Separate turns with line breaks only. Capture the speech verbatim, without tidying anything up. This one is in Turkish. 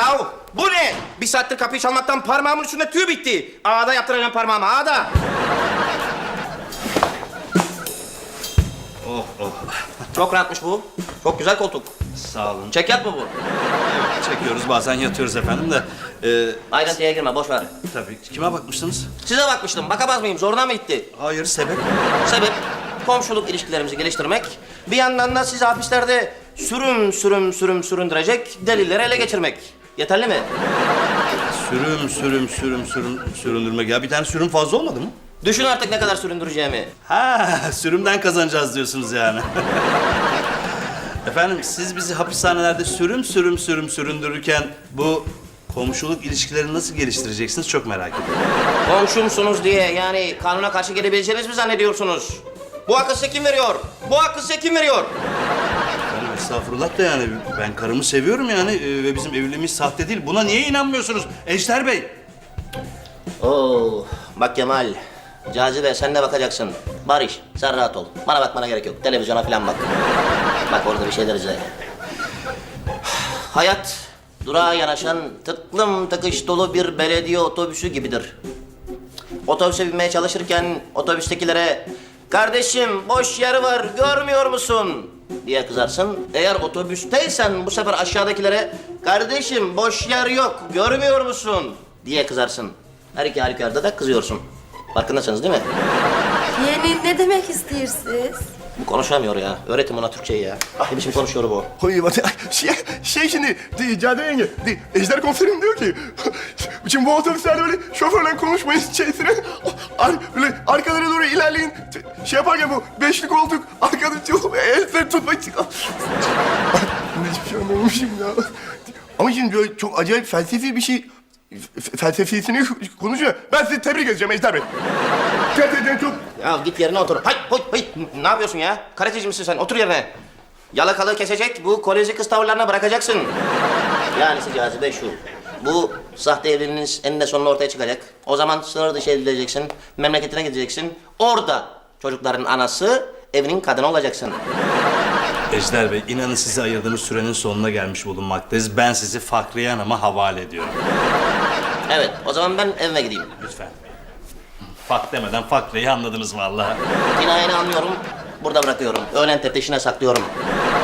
Ya bu ne? Bir saattir kapıyı çalmaktan parmağımın üstünde tüy bitti. Ağda yaptıracağım parmağımı, ağda. Oh, oh. Çok rahatmış bu. Çok güzel koltuk.
Sağ olun.
Çek yat mı bu?
Çekiyoruz bazen yatıyoruz efendim de. E,
Ayrıntıya girme, boş ver.
tabii. Kime bakmıştınız?
Size bakmıştım, bakamaz mıyım? Zoruna mı gitti?
Hayır, sebep.
Sebep, komşuluk ilişkilerimizi geliştirmek. Bir yandan da sizi hapislerde sürüm sürüm sürüm süründürecek delilleri ele geçirmek. Yeterli mi?
Sürüm sürüm sürüm sürüm süründürmek. Ya bir tane sürüm fazla olmadı mı?
Düşün artık ne kadar süründüreceğimi.
Ha, sürümden kazanacağız diyorsunuz yani. Efendim siz bizi hapishanelerde sürüm sürüm sürüm süründürürken bu komşuluk ilişkilerini nasıl geliştireceksiniz çok merak ediyorum.
Komşumsunuz diye yani kanuna karşı gelebileceğiniz mi zannediyorsunuz? Bu hakkı size kim veriyor? Bu hakkı size kim veriyor?
Efendim estağfurullah da yani ben karımı seviyorum yani e, ve bizim evliliğimiz sahte değil. Buna niye inanmıyorsunuz Ejder Bey?
Oo, bak Kemal, Cazibe sen de bakacaksın. Barış, sen rahat ol. Bana bakmana gerek yok. Televizyona falan bak. Bak orada bir şeyler izle. Hayat, durağa yanaşan tıklım tıkış dolu bir belediye otobüsü gibidir. Otobüse binmeye çalışırken otobüstekilere "Kardeşim boş yer var, görmüyor musun?" diye kızarsın. Eğer otobüsteysen bu sefer aşağıdakilere "Kardeşim boş yer yok, görmüyor musun?" diye kızarsın. Her iki halükarda da kızıyorsun. Farkındasınız değil mi?
Yani ne demek istiyorsunuz?
Bu konuşamıyor ya. Öğretin ona Türkçeyi ya. Ne biçim konuşuyor bu?
Oy, bak, şey, şey şimdi, de, Cadı yenge, de, Ejder komiserim diyor ki... Şimdi bu otobüslerde böyle şoförle konuşmayın şeysine... Ar, böyle arkalara doğru ilerleyin. Şey yaparken bu beşli koltuk, arkada el freni tutmak için... Ben hiçbir şey anlamamışım ya. Ama şimdi böyle çok acayip felsefi bir şey... f- Felsefisini konuşuyor. Ben sizi tebrik edeceğim Ejder Bey. Gerçekten çok...
Ya git yerine otur. Hay, hay, hay. Ne yapıyorsun ya? Karateci misin sen? Otur yerine. Yalakalığı kesecek, bu kolejci kız tavırlarına bırakacaksın. Yani Cazibe şu. Bu sahte evliliğiniz eninde sonunda ortaya çıkacak. O zaman sınır dışı edileceksin. Memleketine gideceksin. Orada çocukların anası, evinin kadını olacaksın.
Ejder Bey inanın sizi ayırdığımız sürenin sonuna gelmiş bulunmaktayız. Ben sizi Fakriye Hanım'a havale ediyorum.
Evet, o zaman ben evime gideyim.
Lütfen. Fak demeden Fakriye'yi anladınız vallahi.
Cinayeni anlıyorum, burada bırakıyorum. Öğlen teftişine saklıyorum.